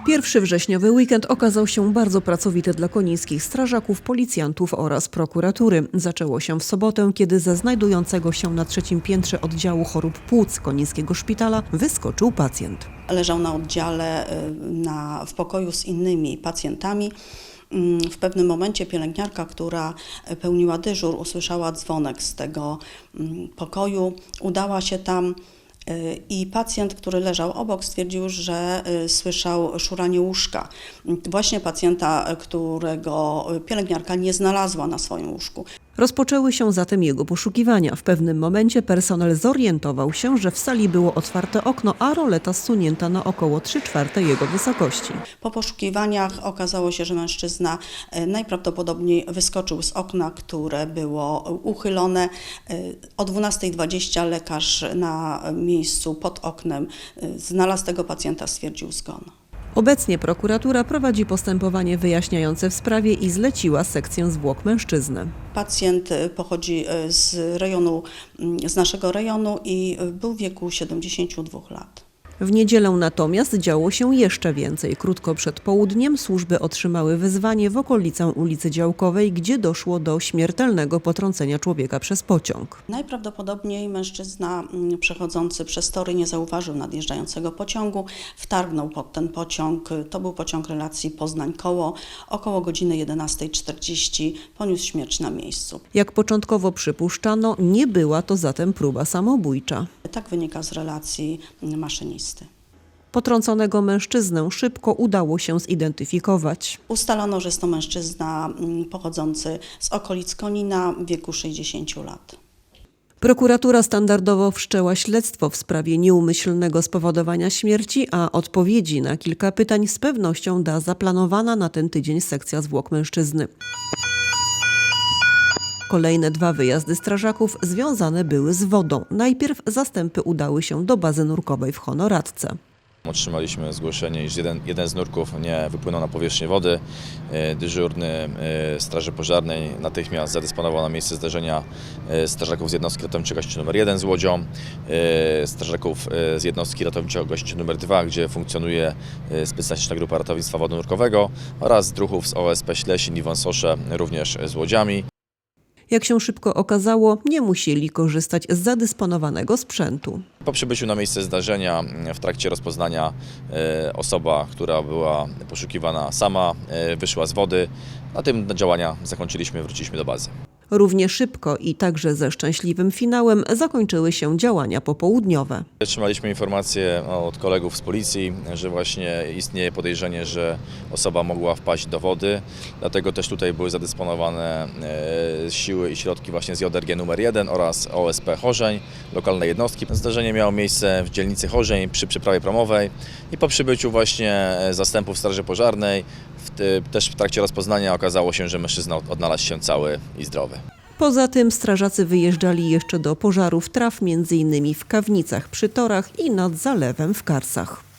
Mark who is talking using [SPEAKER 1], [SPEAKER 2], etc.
[SPEAKER 1] 1 wrześniowy weekend okazał się bardzo pracowity dla konińskich strażaków, policjantów oraz prokuratury. Zaczęło się w sobotę, kiedy ze znajdującego się na 3. piętrze oddziału chorób płuc Konińskiego Szpitala wyskoczył pacjent.
[SPEAKER 2] Leżał na oddziale w pokoju z innymi pacjentami. W pewnym momencie pielęgniarka, która pełniła dyżur, usłyszała dzwonek z tego pokoju, udała się tam i pacjent, który leżał obok, stwierdził, że słyszał szuranie łóżka. Właśnie pacjenta, którego pielęgniarka nie znalazła na swoim łóżku.
[SPEAKER 1] Rozpoczęły się zatem jego poszukiwania. W pewnym momencie personel zorientował się, że w sali było otwarte okno, a roleta zsunięta na około 3/4 jego wysokości.
[SPEAKER 2] Po poszukiwaniach okazało się, że mężczyzna najprawdopodobniej wyskoczył z okna, które było uchylone. O 12:20 lekarz na miejscu pod oknem znalazł tego pacjenta, stwierdził zgon.
[SPEAKER 1] Obecnie prokuratura prowadzi postępowanie wyjaśniające w sprawie i zleciła sekcję zwłok mężczyzny.
[SPEAKER 2] Pacjent pochodzi z naszego rejonu i był w wieku 72 lat.
[SPEAKER 1] W niedzielę natomiast działo się jeszcze więcej. Krótko przed południem służby otrzymały wezwanie w okolicę ulicy Działkowej, gdzie doszło do śmiertelnego potrącenia człowieka przez pociąg.
[SPEAKER 2] Najprawdopodobniej mężczyzna przechodzący przez tory nie zauważył nadjeżdżającego pociągu, wtargnął pod ten pociąg. To był pociąg relacji Poznań-Koło. Około godziny 11:40 poniósł śmierć na miejscu.
[SPEAKER 1] Jak początkowo przypuszczano, nie była to zatem próba samobójcza.
[SPEAKER 2] Tak wynika z relacji maszynisty.
[SPEAKER 1] Potrąconego mężczyznę szybko udało się zidentyfikować.
[SPEAKER 2] Ustalono, że jest to mężczyzna pochodzący z okolic Konina w wieku 60 lat.
[SPEAKER 1] Prokuratura standardowo wszczęła śledztwo w sprawie nieumyślnego spowodowania śmierci, a odpowiedzi na kilka pytań z pewnością da zaplanowana na ten tydzień sekcja zwłok mężczyzny. Kolejne 2 wyjazdy strażaków związane były z wodą. Najpierw zastępy udały się do bazy nurkowej w Honoradce.
[SPEAKER 3] Otrzymaliśmy zgłoszenie, iż jeden z nurków nie wypłynął na powierzchnię wody. Dyżurny Straży Pożarnej natychmiast zadysponował na miejsce zdarzenia strażaków z jednostki ratowniczo-gaśniczej nr 1 z łodzią, strażaków z jednostki ratowniczo-gaśniczej nr 2, gdzie funkcjonuje specjalistyczna grupa ratownictwa wodno-nurkowego, oraz druhów z OSP Ślesin i Wąsosze, również z łodziami.
[SPEAKER 1] Jak się szybko okazało, nie musieli korzystać z zadysponowanego sprzętu.
[SPEAKER 3] Po przybyciu na miejsce zdarzenia, w trakcie rozpoznania, osoba, która była poszukiwana, sama wyszła z wody. Na tym działania zakończyliśmy, wróciliśmy do bazy.
[SPEAKER 1] Równie szybko i także ze szczęśliwym finałem zakończyły się działania popołudniowe.
[SPEAKER 3] Otrzymaliśmy informację od kolegów z policji, że właśnie istnieje podejrzenie, że osoba mogła wpaść do wody. Dlatego też tutaj były zadysponowane siły i środki właśnie z JRG nr 1 oraz OSP Chorzeń, lokalne jednostki. Zdarzenie miało miejsce w dzielnicy Chorzeń przy przeprawie promowej i po przybyciu właśnie zastępów Straży Pożarnej, też w trakcie rozpoznania okazało się, że mężczyzna odnalazł się cały i zdrowy.
[SPEAKER 1] Poza tym strażacy wyjeżdżali jeszcze do pożarów traw, m.in. w Kawnicach przy torach i nad zalewem w Karsach.